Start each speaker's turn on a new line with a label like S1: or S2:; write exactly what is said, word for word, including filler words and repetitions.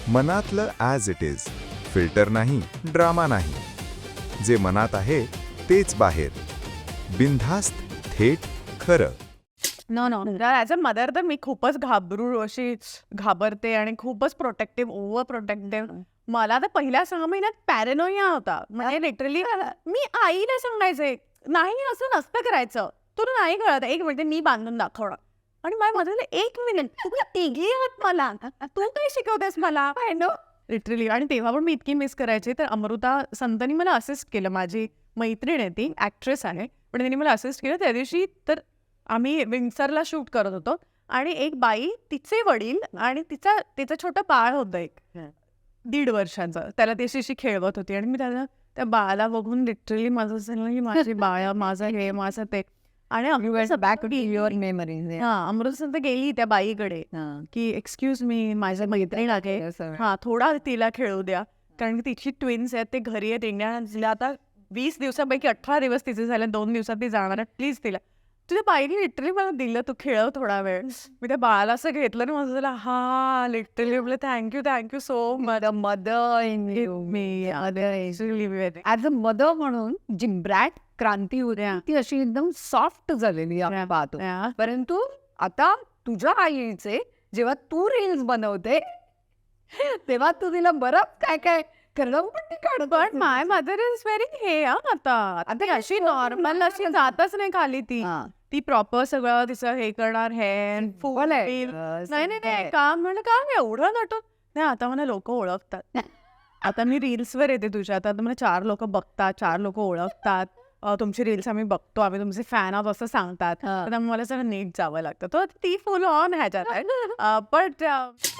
S1: मनातलं as it is, filter नाही, drama नाही. जे मनात आहे तेच बाहेर, बिनधास्त, थेट, खरं.
S2: No no as a mother तर मी खूपच घाबरू अशी घाबरते आणि खूपच प्रोटेक्टिव्ह ओव्हर प्रोटेक्टिव्ह. मला तर पहिल्या सहा महिन्यात पॅरेनोया होता. म्हणजे लिटरली मी आईला सांगायचे नाही असं नसतं करायचं, तुला नाही कळत, एक मिनिट मी बांधून दाखवणार. आणि माझ्या मदरला एक मिनिट तुम्ही तिघी आहात मला, तू काय शिकवतेस मला नो लिटरली. आणि तेव्हा पण मी इतकी मिस करायचे. तर अमृता संतनी मला असिस्ट केलं. माझी मैत्रीण आहे, ती ॲक्ट्रेस आहे, पण त्यांनी मला असिस्ट केलं. त्या दिवशी तर आम्ही विंडसरला शूट करत होतो आणि एक बाई, तिचे वडील आणि तिचा तिचं छोटं बाळ होतं एक दीड वर्षाचं, त्याला ती अशी खेळवत होती. आणि मी त्याला त्या बाळाला बघून लिटरली माझं झालं की माझी बाळ, माझं हे, माझं ते. आणि
S3: बॅक टू युअर मेमरीज.
S2: हा अमृता संत गेली त्या बाईकडे की एक्सक्यूज मी, माझ्या मैत्रीण आहे, हा थोडा तिला खेळू द्या, कारण की तिची ट्विन्स आहेत, ते घरी आहेत इंडिया. आता वीस दिवसापैकी अठरा दिवस तिचे झाले, दोन दिवसात ती जाणार आहे, प्लीज तिला. तुझ्या बाईने लिटरली मला दिलं, तू खेळव थोडा वेळ. मी त्या बाळाला असं घेतलं आणि माझं झालं हा लिटरली म्हटलं thank you thank you so much
S3: mother in you.
S2: मी
S3: ऍज अ मदर म्हणून जी ब्रॅट क्रांती होती ती अशी एकदम सॉफ्ट झालेली आपण पाहतो. परंतु आता तुझ्या आईचे जेव्हा तू रील्स बनवते तेव्हा तू तिला बरंच काय काय करणं पण ती काढत.
S2: पण माय मदर इज व्हेरी हे आता आता अशी नॉर्मल अशी जातच नाही खाली. ती ती प्रॉपर सगळं तिचं हे करणार, हेअर फुल नाही नाही नाही काम म्हणलं काम एवढं नटत नाही. आता मला लोक ओळखतात, आता मी रील्सवर येते तुझ्या, आता मला चार लोक बघतात, चार लोक ओळखतात, तुमची रील्स आम्ही बघतो, आम्ही तुमचे फॅन आहोत असं सांगतात. तर मला सगळं नीट जावं लागतं. तर ती फुल ऑन ह्याच्यात आहे. पण